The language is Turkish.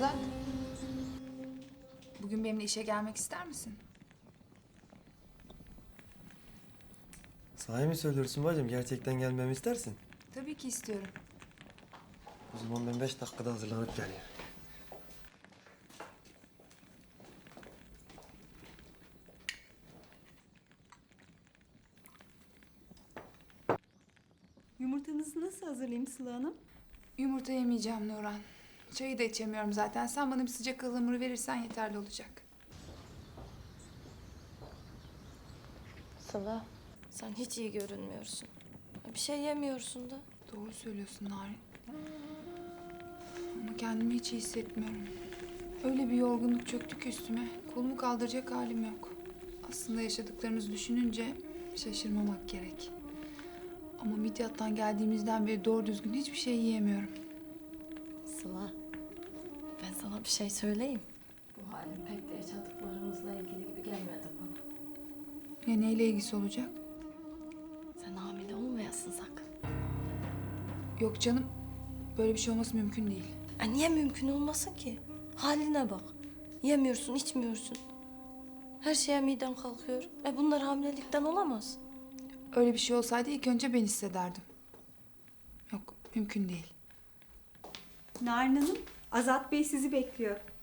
Azat. Bugün benimle işe gelmek ister misin? Sahi mi söylüyorsun bacım? Gerçekten gelmemi istersin. Tabii ki istiyorum. O zaman ben 5 dakikada hazırlanıp geleyim. Yumurtanızı nasıl hazırlayayım Sıla Hanım? Yumurta yemeyeceğim Nurhan. Çayı da içemiyorum zaten. Sen bana bir sıcak ıhlamur verirsen yeterli olacak. Sıla, sen hiç iyi görünmüyorsun. Bir şey yemiyorsun da. Doğru söylüyorsun Narin. Ama kendimi hiç iyi hissetmiyorum. Öyle bir yorgunluk çöktü ki üstüme. Kolumu kaldıracak halim yok. Aslında yaşadıklarımızı düşününce şaşırmamak gerek. Ama Midyat'tan geldiğimizden beri doğru düzgün hiçbir şey yiyemiyorum. Sıla, ben sana bir şey söyleyeyim. Bu halin pek de yaşadıklarımızla ilgili gibi gelmedi bana. Ya neyle ilgisi olacak? Sen hamile olmayasın sakın. Yok canım. Böyle bir şey olması mümkün değil. Niye mümkün olmasın ki? Haline bak. Yemiyorsun, içmiyorsun. Her şeye miden kalkıyor. Bunlar hamilelikten olamaz. Öyle bir şey olsaydı ilk önce ben hissederdim. Yok, mümkün değil. Narin Hanım, Azat Bey sizi bekliyor.